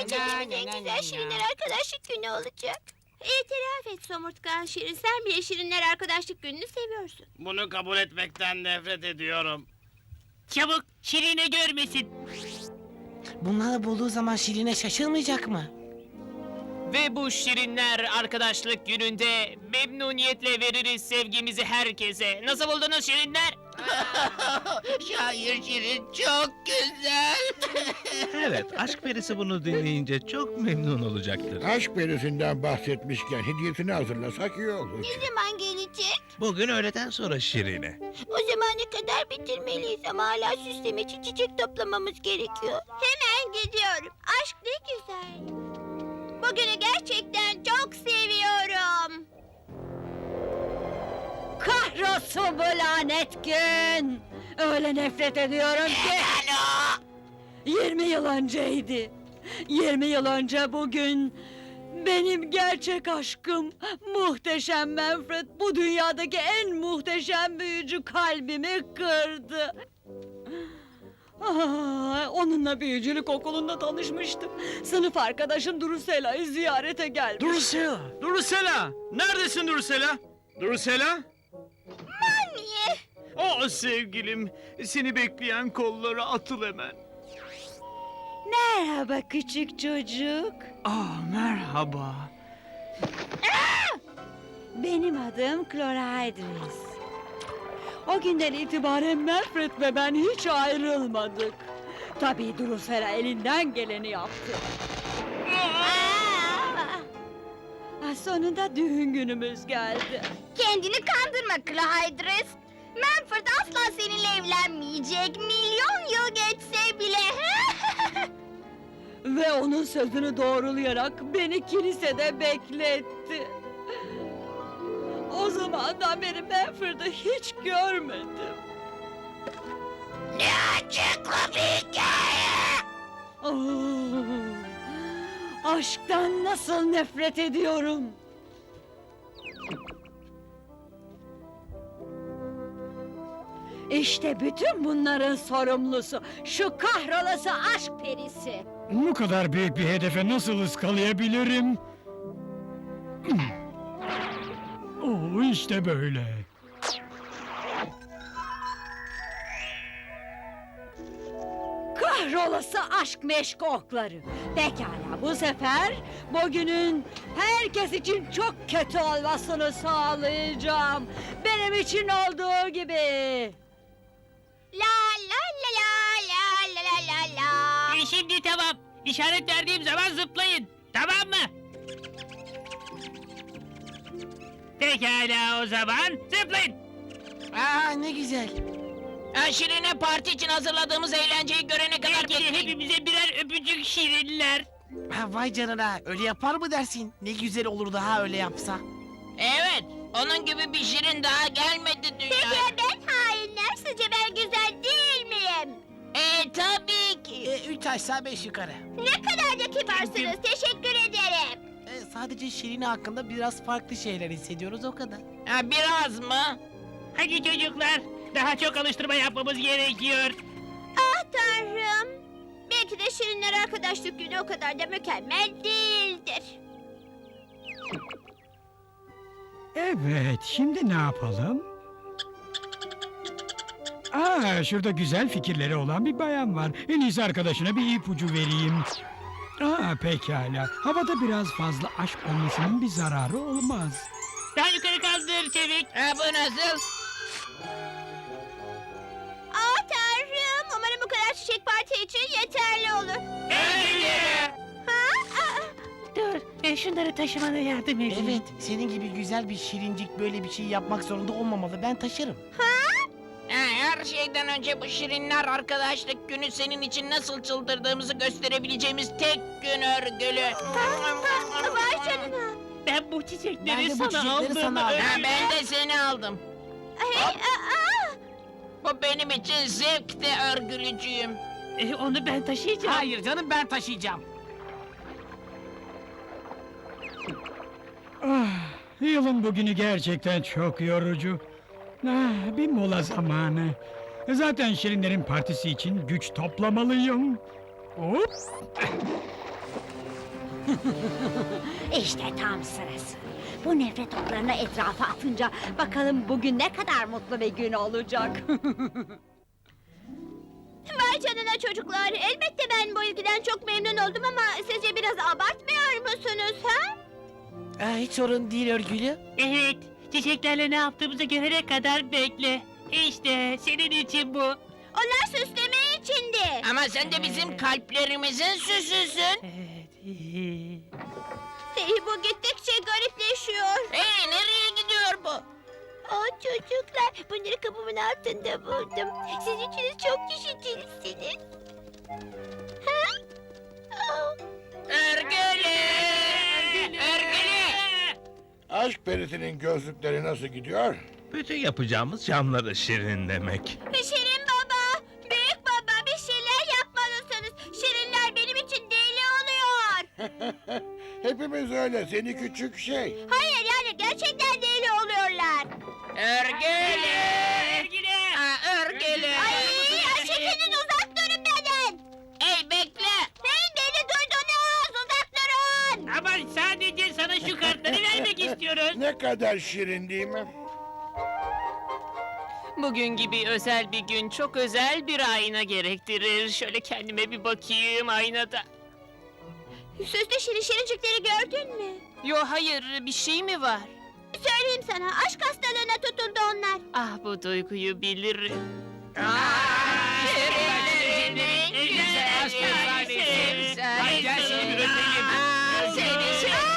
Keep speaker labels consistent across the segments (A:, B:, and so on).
A: geçirdiğimiz en güzel Şirinler Arkadaşlık Günü olacak. İtiraf et Somurtkan Şirin, sen bile Şirinler Arkadaşlık Günü'nü seviyorsun.
B: Bunu kabul etmekten nefret ediyorum.
C: Çabuk, Şirine görmesin.
D: Bunları bulduğu zaman Şirine şaşırmayacak mı?
C: Ve bu Şirinler Arkadaşlık Günü'nde memnuniyetle veririz sevgimizi herkese. Nasıl buldunuz Şirinler?
D: Şair Şirin çok güzel.
E: Evet, aşk perisi bunu dinleyince çok memnun olacaktır.
F: Aşk perisinden bahsetmişken hediyesini hazırlasak iyi olur.
A: Ne zaman gelecek?
E: Bugün öğleden sonra Şirine.
A: O zamana kadar bitirmeliyiz ama hala süsleme için çiçek toplamamız gerekiyor. Hemen gidiyorum. Aşk ne güzel. Bugünü gerçekten çok seviyorum.
G: Kahrolsun bu lanet gün. Öyle nefret ediyorum ki. 20 yıl önceydi. 20 yıl önce bugün benim gerçek aşkım muhteşem Manfred bu dünyadaki en muhteşem büyücü kalbimi kırdı. Onunla büyücülük okulunda tanışmıştım. Sınıf arkadaşım Drusela'yı ziyarete gelmiş.
H: Drusela! Drusela! Neredesin Drusela? Drusela?
A: Niye?
H: Oh sevgilim, seni bekleyen kollara atıl hemen.
G: Merhaba küçük çocuk.
H: Merhaba.
G: Benim adım Chlorhydris. O günden itibaren Manfred ve ben hiç ayrılmadık. Tabii Drusela elinden geleni yaptı. Sonunda düğün günümüz geldi.
A: Kendini kandırma Clyde. Manfred asla seninle evlenmeyecek. Milyon yıl geçse bile.
G: Ve onun sözünü doğrulayarak beni kilisede bekletti. O zamandan beri Manfred'i hiç görmedim.
A: Ne acıklı bir hikaye.
G: Aşktan nasıl nefret ediyorum. İşte bütün bunların sorumlusu şu kahrolası aşk perisi.
I: Bu kadar büyük bir hedefe nasıl ıskalayabilirim? İşte böyle.
G: Kahrolası aşk meşgokları. Pekala bu sefer bugünün herkes için çok kötü olmasını sağlayacağım. Benim için olduğu gibi.
A: La la la la la la la la.
C: Şimdi tamam. İşaret verdiğim zaman zıplayın. Tamam mı? Pekala o zaman zıplayın.
D: Ne güzel.
C: Şirine parti için hazırladığımız eğlenceyi görene kadar hepimize birer öpücük Şirinler.
D: Vay canına, öyle yapar mı dersin? Ne güzel olurdu ha öyle yapsa.
C: Evet, onun gibi bir Şirin daha gelmedi
A: Peki ya ben hainler? Sizce ben güzel değil miyim?
C: Tabii ki.
D: 3 aşağı 5 yukarı.
A: Ne kadar da kibarsınız. Teşekkür ederim.
D: Sadece Şirine hakkında biraz farklı şeyler hissediyoruz o kadar.
C: Biraz mı? Hadi çocuklar, daha çok alıştırma yapmamız gerekiyor.
A: Ah tanrım. Belki de Şirinler Arkadaşlık Günü o kadar da mükemmel değildir.
I: Evet, şimdi ne yapalım? Şurada güzel fikirleri olan bir bayan var. En iyisi arkadaşına bir ipucu vereyim. Pekala. Havada biraz fazla aşk olmasının bir zararı olmaz.
C: Daha yukarı kaldır çevik. Bu nasıl?
A: Ah tanrım. Umarım bu kadar çiçek parti için yeterli olur.
C: Dur, şunları taşımana yardım edeyim.
D: Evet, senin gibi güzel bir şirincik böyle bir şey yapmak zorunda olmamalı. Ben taşırım.
C: Her şeyden önce bu Şirinler Arkadaşlık Günü senin için nasıl çıldırdığımızı gösterebileceğimiz tek gün örgülü.
A: Vay canına.
C: Ben bu çiçekleri
D: Ben de bu çiçekleri sana aldım.
C: Ben de seni aldım. Bu benim için zevkte örgülücüyüm. Onu ben taşıyacağım.
D: Hayır canım, ben taşıyacağım.
I: Yılın bugünü gerçekten çok yorucu. Bir mola zamanı. Zaten Şirinlerin partisi için güç toplamalıyım. Hop!
G: İşte tam sırası. Bu nefret oklarını etrafa atınca bakalım bugün ne kadar mutlu bir gün olacak.
A: Vay canına çocuklar. Elbette ben bu ilgiden çok memnun oldum ama sizce biraz abartmıyor musunuz ha?
D: Hiç sorun değil örgülü.
J: Evet, çiçeklerle ne yaptığımızı görene kadar bekle. İşte senin için bu.
A: Onlar süsleme içindi.
C: Ama sen de bizim kalplerimizin süsüsün.
A: Bu gittikçe garipleşiyor.
C: Hey, nereye gidiyor bu?
A: Çocuklar, bunları kapımın altında buldum. Siz üçünüz çok düşüncelisiniz. Ha?
C: Örgülü! Örgülü!
F: Aşk perisinin gözlükleri nasıl gidiyor?
E: Bütün yapacağımız camları şirinlemek.
A: Şirin baba, büyük baba bir şeyler yapmalısınız. Şirinler benim için deli oluyor.
F: Hepimiz öyle, seni küçük şey.
A: Hayır yani gerçekten deli oluyorlar.
C: Örgülü! Örgülü!
A: Ay çekilin uzak durun benden.
C: Hey, bekle!
A: Hey beni duydunuz uzak durun.
J: Ama sadece sana şu kartları vermek istiyoruz.
F: Ne kadar şirin değil mi?
J: Bugün gibi özel bir gün çok özel bir ayna gerektirir. Şöyle kendime bir bakayım aynada.
A: Süslü şirincikleri gördün mü?
J: Yo hayır, bir şey mi var?
A: Söyleyeyim sana aşk hastalığına tutuldu onlar.
J: Ah bu duyguyu bilirim.
C: Şirinlerin en güzel şirinleri.
J: Hadi gel seni bir öpelim.
C: Seni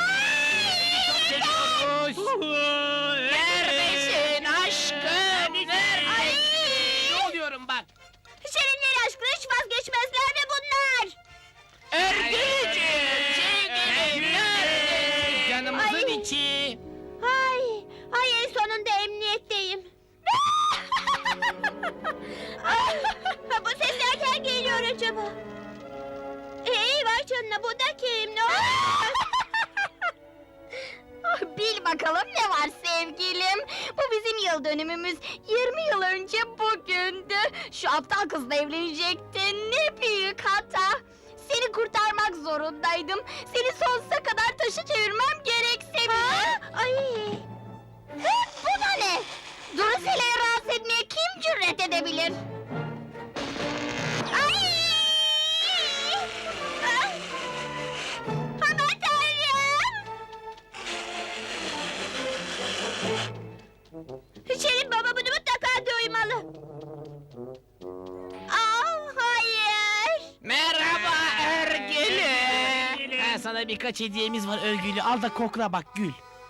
C: neredesin aşkım? Neredesin?
J: Ne oluyorum bak.
A: Şirinler aşkına hiç vazgeçmezler mi bunlar?
C: Örgülücüğüm, sevgilim, neredesin?
J: Canımızın
A: Ay.
J: içi.
A: Hayır sonunda emniyetteyim. Bu ses nereden geliyor acaba? Hey vay canına bu da kim? Ne oluyor? Bil bakalım ne var sevgilim. Bu bizim yıl dönümümüz. 20 yıl önce bugündü. Şu aptal kızla evlenecektin. Ne büyük hata. Seni kurtarmak zorundaydım. Seni sonsuza kadar taşı çevirmem gerekse bile. Ay. Bu da ne? Drusila'yı rahatsız etmeye kim cüret edebilir? Ay! Ah! Aman tanrım! Şirin baba bunu mutlaka duymalı. Hayır!
C: Merhaba Örgülü.
D: Sana birkaç hediyemiz var örgülü. Al da kokla bak Gül.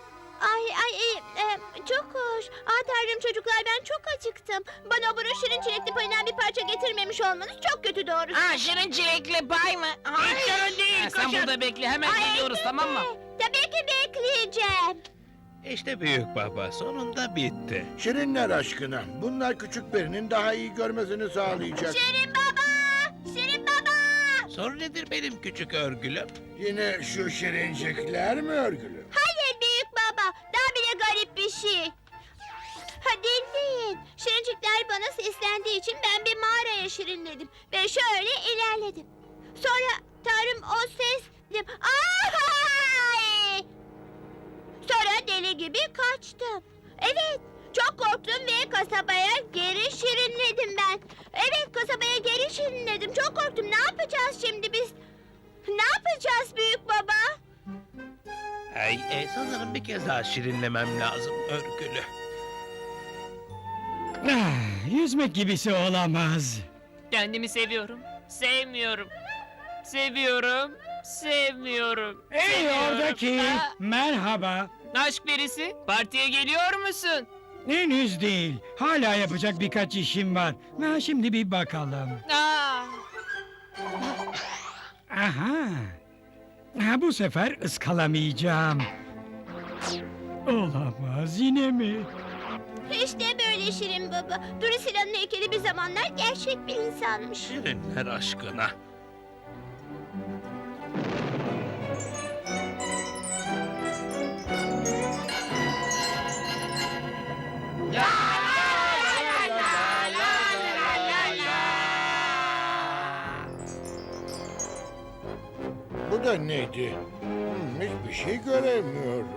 A: Çok hoş. Tanrım çocuklar ben çok acıktım. Bana o şirin çilekli payından bir parça getirmemiş olmanız çok kötü doğrusu.
C: Şirin çilekli pay mı?
J: Hiç sorun değil,
C: Sen
J: koşun.
C: burada bekle, hemen geliyoruz, tamam mı?
A: Tabii ki bekleyeceğim.
E: İşte büyük baba sonunda bitti.
F: Şirinler aşkına, bunlar küçük perinin daha iyi görmesini sağlayacak.
A: Şirin baba! Şirin baba!
E: Sorun nedir benim küçük örgülüm?
F: Yine şu şirincikler mi örgülü?
A: Hayır büyük baba. Daha bile garip bir şey. Dinleyin. Şirincikler bana seslendiği için ben bir mağaraya şirinledim. Ve şöyle ilerledim. Sonra Tanrım o ses... Ay! Sonra deli gibi kaçtım. Evet, çok korktum ve kasabaya geri şirinledim ben. Evet, kasabaya geri şirinledim. Çok korktum. Ne yapacağız şimdi biz? Ne yapacağız büyük baba?
E: Sanırım bir kez daha şirinlemem lazım örgülü.
I: Yüzmek gibisi olamaz.
J: Kendimi seviyorum. Sevmiyorum. Seviyorum. Sevmiyorum.
I: Hey
J: Seviyorum.
I: oradaki,
J: Ha,
I: merhaba.
J: aşk perisi, partiye geliyor musun?
I: Henüz değil. Hala yapacak birkaç işim var. Şimdi bir bakalım. Aha. Bu sefer ıskalamayacağım. Olamaz, yine mi?
A: İşte böyle Şirin baba. Drusila'nın heykeli bir zamanlar gerçek bir insanmış.
E: Şirinler aşkına.
F: Bu da neydi? Hiçbir şey göremiyorum.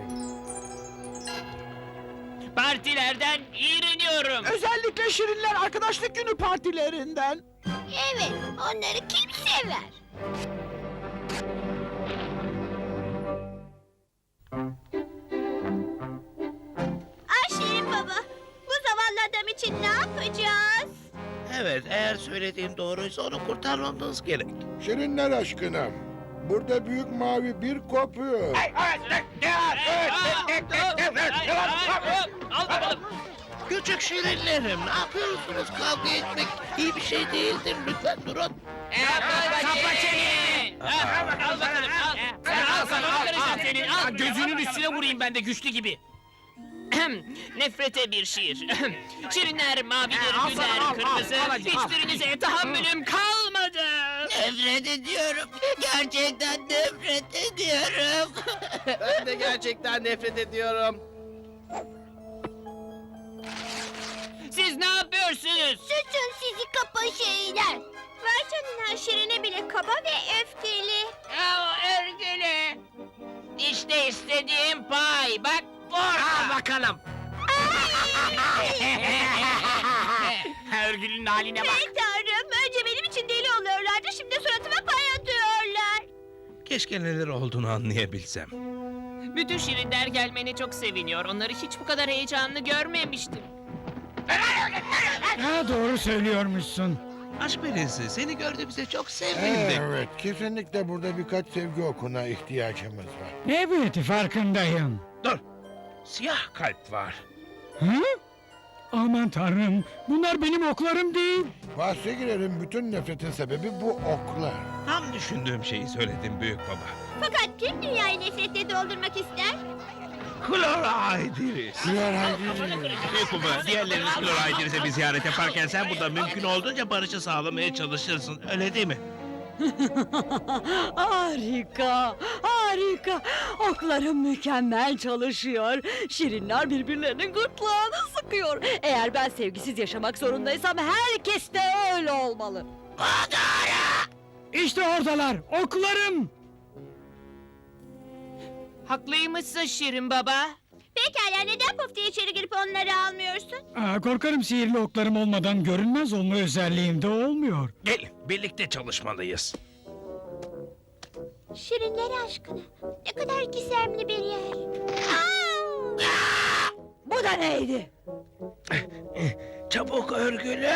J: Partilerden iğreniyorum.
D: Özellikle Şirinler Arkadaşlık Günü partilerinden.
A: Evet, onları kim sever? Şirin baba, bu zavallı adam için ne yapacağız?
E: Evet, eğer söylediğin doğruysa onu kurtarmamız gerek.
F: Şirinler aşkına. Burada büyük mavi bir kopuyor.
J: Al bakalım.
E: Küçük şirinlerim, ne yapıyorsunuz? Kavga etmek iyi bir şey değildir. Lütfen durun.
J: Kapa çeneni. Al bakalım al. Al sana al senin. Al. Gözünün üstüne vurayım ben de güçlü gibi. Nefrete bir şiir. Şirinler mavidir, güler, kırmızı. Hiçbirinize tahammülüm kalmadı.
E: Nefret ediyorum. Gerçekten nefret ediyorum.
D: Ben de gerçekten nefret ediyorum.
J: Siz ne yapıyorsunuz?
A: Susun sizi kapa şeyler. Vay canına, Şirin'e bile kaba ve öfkeli.
C: Örgülü. İşte istediğim pay. Bak
D: Al bakalım.
J: Örgül'ün haline bak.
A: Ey tanrım, önce benim için deli oluyorlardı, şimdi suratıma pay atıyorlar.
E: Keşke neler olduğunu anlayabilsem.
J: Bütün Şirinler gelmene çok seviniyor. Onları hiç bu kadar heyecanlı görmemiştim.
I: Ha, doğru söylüyormuşsun.
E: Aşk perisi, seni gördüğümüze çok sevindik.
F: Evet, kesinlikle burada birkaç sevgi okuna ihtiyacımız var.
I: Evet, farkındayım.
E: Dur, siyah kalp var.
I: Hı? Aman tanrım, bunlar benim oklarım değil.
F: Bahse girerim, bütün nefretin sebebi bu oklar.
E: Tam düşündüğüm şeyi söyledim büyük baba.
A: Fakat kim dünyayı nefretle doldurmak ister?
E: Kloraydiriz. Büyük baba, diğerleriniz Kloraydirize bir ziyaret yaparken sen burada mümkün olduğunca barışı sağlamaya çalışırsın. Öyle değil mi?
G: Harika, harika. Oklarım mükemmel çalışıyor. Şirinler birbirlerinin gırtlağını sıkıyor. Eğer ben sevgisiz yaşamak zorundaysam herkes de öyle olmalı.
I: İşte oradalar, oklarım.
J: Haklıymışsın Şirin baba.
A: Pekala, neden Puf diye içeri girip onları almıyorsun?
I: Korkarım sihirli oklarım olmadan görünmez olma özelliğim de olmuyor.
E: Gelin, birlikte çalışmalıyız.
A: Şirinler aşkına, ne kadar gizemli bir yer.
G: Bu da neydi?
E: Çabuk örgülü.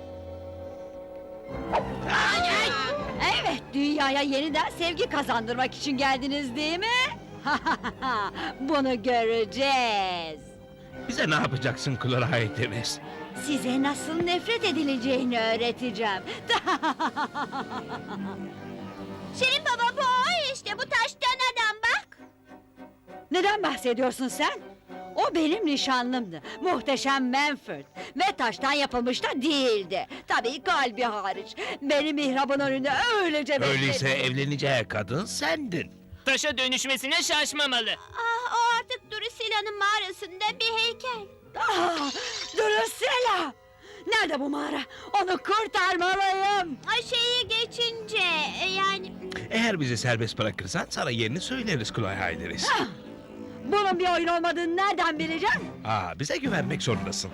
G: Evet, dünyaya yeniden sevgi kazandırmak için geldiniz değil mi? Bunu göreceğiz.
E: Bize ne yapacaksın Kloraydiriz?
G: Size nasıl nefret edileceğini öğreteceğim.
A: Şirin baba, bu o işte, bu taştan adam bak.
G: Neden bahsediyorsun sen? O benim nişanlımdı. Muhteşem Manfred. Ve taştan yapılmış da değildi. Tabii kalbi hariç. Beni mihrabın önünde öylece bekledi.
E: Öyleyse evleneceği kadın sendin.
J: Taşa dönüşmesine şaşmamalı.
A: O artık Drusila'nın mağarasında bir heykel.
G: Drusilla! Nerede bu mağara? Onu kurtarmalıyım.
A: Şeyi geçince, yani...
E: Eğer bizi serbest bırakırsan sana yerini söyleriz Kloraydiriz.
G: Bunun bir oyun olmadığını nereden bileceğim?
E: Bize güvenmek zorundasın.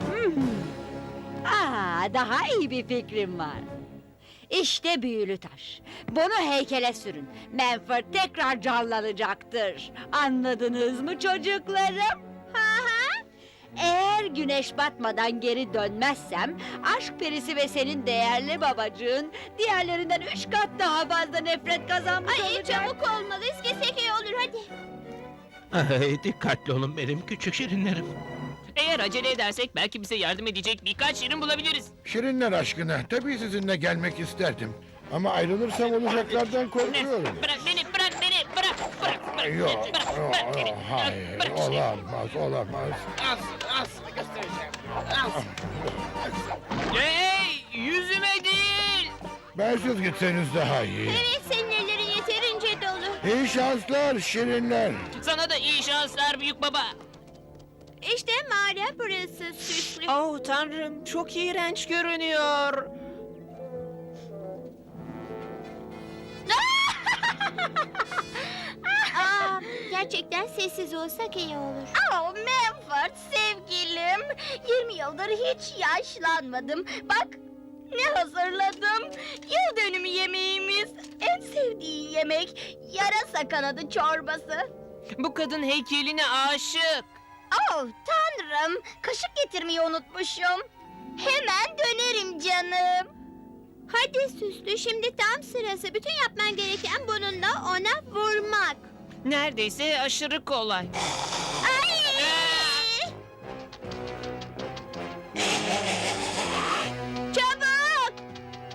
G: Daha iyi bir fikrim var. İşte büyülü taş. Bunu heykele sürün. Manfred tekrar canlanacaktır. Anladınız mı çocuklarım? Eğer güneş batmadan geri dönmezsem... ...aşk perisi ve senin değerli babacığın... ...diğerlerinden 3 kat daha fazla nefret kazanmış olacak.
A: Çabuk olmalıyız, gitsek iyi olur, hadi.
E: Ay, dikkatli olun benim küçük şirinlerim.
J: Eğer acele edersek belki bize yardım edecek birkaç Şirin bulabiliriz.
F: Şirinler aşkına, tabii sizinle gelmek isterdim. Ama ayrılırsam olacaklardan korkuyorum.
J: Bırak beni, bırak beni, bırak.
F: Yok,
J: Bırak beni.
F: hayır,
J: Bırak.
F: olamaz.
J: Hey, yüzüme değil.
F: Bensiz gitseniz daha iyi.
A: Evet, senin ellerin yeterince dolu.
F: İyi şanslar şirinler.
J: Sana da iyi şanslar büyük baba.
A: İşte mağara burası, süslü.
J: Oh tanrım, çok iğrenç görünüyor.
A: gerçekten sessiz olsak iyi olur. Oh Manford sevgilim. 20 yıldır hiç yaşlanmadım. Bak ne hazırladım. Yıl dönümü yemeğimiz. En sevdiği yemek. Yarasa kanadı çorbası.
J: Bu kadın heykeline aşık.
A: Oh tanrım. Kaşık getirmeyi unutmuşum. Hemen dönerim canım. Hadi Süslü, şimdi tam sırası. Bütün yapman gereken bununla ona vurmak.
J: Neredeyse aşırı kolay.
A: Ay! Çabuk!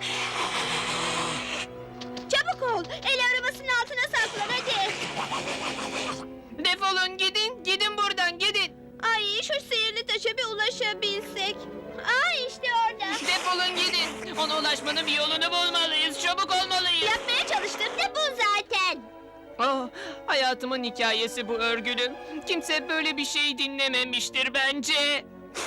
A: Çabuk ol. El arabasının altına saklan hadi.
J: Defolun gidin, gidin buradan gidin.
A: Ay şu sihirli taşa bir ulaşabilsek. Ay işte orada.
J: Defolun gidin. Ona ulaşmanın bir yolunu bulmalıyız. Çabuk olmalıyız.
A: Yapmaya çalıştığım da bu zaten.
J: Ah, hayatımın hikayesi bu örgülü. Kimse böyle bir şey dinlememiştir bence.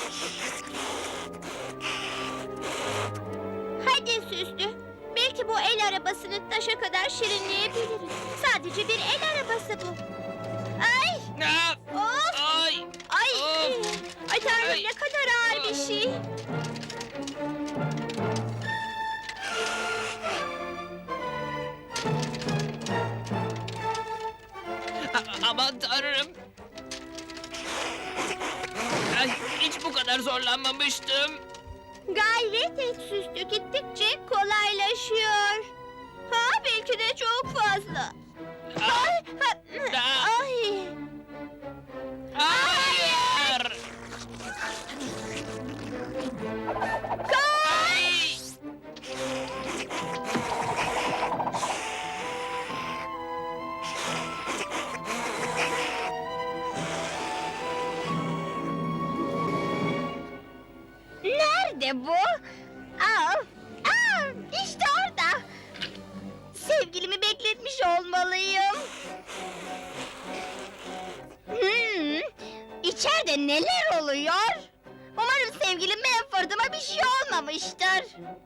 A: Hadi Süslü. Belki bu el arabasını taşa kadar şirinleyebiliriz. Sadece bir el arabası bu. Ay!
J: Ah,
A: Of!
J: ay,
A: Ay!
J: Of!
A: Ay tanrım
J: Ay!
A: ne kadar ağır bir şey.
J: Aman tanrım. Ay, hiç bu kadar zorlanmamıştım.
A: Gayret et Süslü. Gittikçe kolaylaşıyor. Ha belki de çok fazla.
J: Ah,
A: Ay!
J: ah,
A: Ay!
J: hayır. Ay.
A: Nerede bu? Aa, işte orada. Sevgilimi bekletmiş olmalıyım. İçeride neler oluyor? Umarım sevgilim Manford'uma bir şey olmamıştır.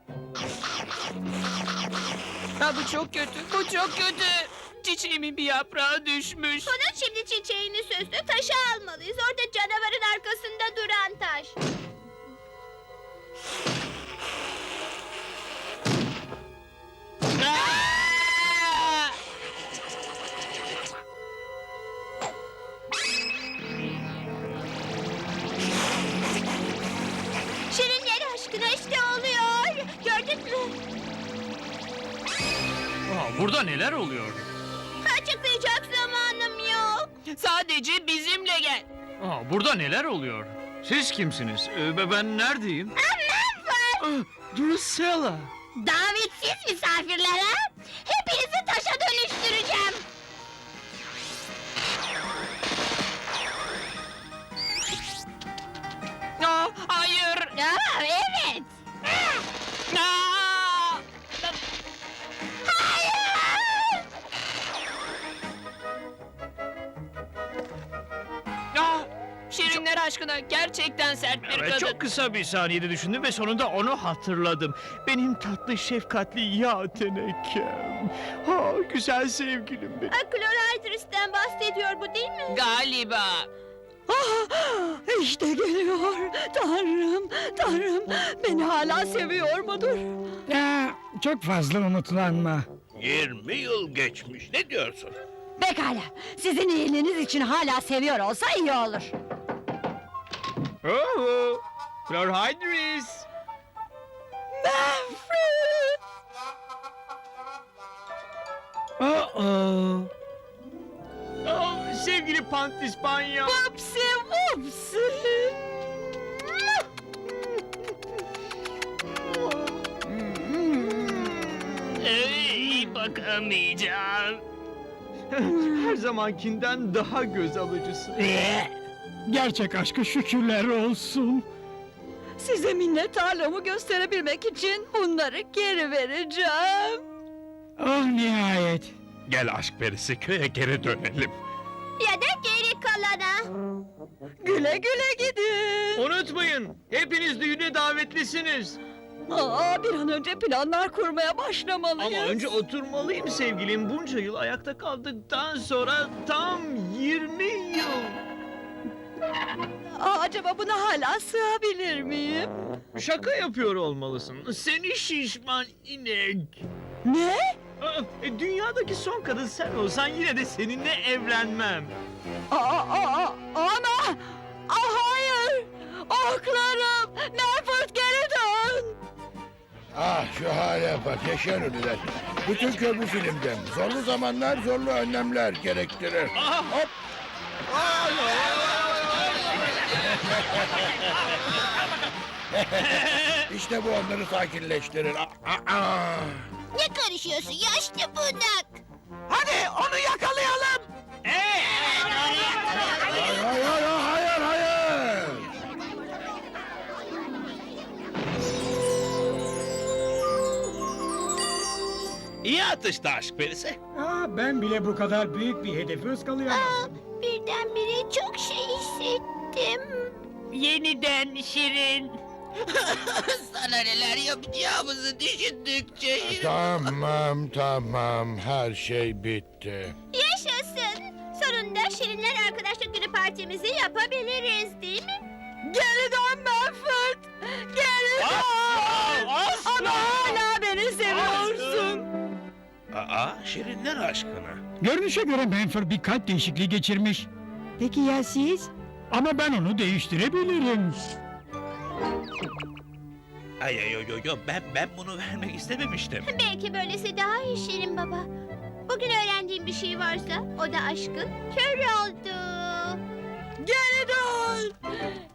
J: Ha, bu çok kötü, bu çok kötü. Çiçeğimin bir yaprağı düşmüş.
A: Bunun şimdi çiçeğini Süslü taşa almalıyız. Orada canavarın arkasında duran taş.
J: Ah!
A: Şirinler aşkına işte oluyor. Gördün mü?
H: Burada neler oluyor?
A: Açıklayacak zamanım yok.
J: Sadece bizimle gel.
H: Burada neler oluyor? Siz kimsiniz? Ben neredeyim?
A: Manford!
H: Drusilla.
A: Davetsiz misafirlere hepinizi taşa dönüştüreceğim.
J: Aa, hayır.
A: Aa, evet.
J: Aa!
A: Hayır!
J: Aa! Şirinler aşkına gerçekten sert bir
H: Evet,
J: kadın.
H: çok kısa bir saniyede düşündüm ve sonunda onu hatırladım. Benim tatlı, şefkatli yağ tenekem. Ha, güzel sevgilim benim.
A: Chlorhydris'ten bahsediyor bu değil mi?
J: Galiba.
G: İşte geliyor. Tanrım, Tanrım. Beni hala seviyor mudur?
I: Ya, çok fazla umutlanma.
E: 20 yıl geçmiş. Ne diyorsun?
G: Pekala. Sizin iyiliğiniz için hala seviyor olsa iyi olur.
H: Oo, Chlorhydris.
G: Manfred!
H: Sevgili Pantispanya.
G: Vupsi vupsi!
J: Ey, bakamayacağım.
H: Her zamankinden daha göz alıcısı.
I: Gerçek aşka şükürler olsun.
G: Size minnettarlığımı gösterebilmek için bunları geri vereceğim.
I: Oh nihayet.
E: Gel aşk perisi, köye geri dönelim.
A: Ya da geri kalana.
G: Güle güle gidin.
H: Unutmayın, hepiniz düğüne davetlisiniz.
G: Bir an önce planlar kurmaya başlamalıyız.
H: Ama önce oturmalıyım sevgilim. Bunca yıl ayakta kaldıktan sonra tam 20 yıl.
G: Acaba buna hala sığabilir miyim?
H: Şaka yapıyor olmalısın. Seni şişman inek.
G: Ne?
H: Dünyadaki son kadın sen olsan yine de seninle evlenmem.
G: Ama... hayır! Oklarım! Manfred geri dön!
F: Ah şu hale bak yaşayan ölüler. Bütün köy bu filmden. Zorlu zamanlar zorlu önlemler gerektirir. Hop. İşte bu onları sakinleştirir.
A: Ne karışıyorsun yaşlı bunak?
D: Hadi onu yakalayalım.
F: Hayır hayır hayır hayır.
E: İyi atıştı aşk perisi.
I: Ben bile bu kadar büyük bir hedefi ıskalayamazdım.
A: Birdenbire çok şey hissettim.
C: Yeniden Şirin.
D: Sana neler yapacağımızı düşündükçe.
F: Tamam her şey bitti.
A: Yaşasın. Sonunda Şirinler Arkadaşlık Günü partimizi yapabiliriz değil mi?
G: Geri dön Manfred! Geri dön! Ama hala beni seviyorsun.
E: Şirinler aşkına.
I: Görünüşe göre Manfred bir kalp değişikliği geçirmiş.
G: Peki ya siz?
I: Ama ben onu değiştirebilirim.
E: Yo, ben bunu vermek istememiştim.
A: Belki böylesi daha iyi Şirin Baba. Bugün öğrendiğim bir şey varsa o da aşkın kör oldu.
G: Geri dön!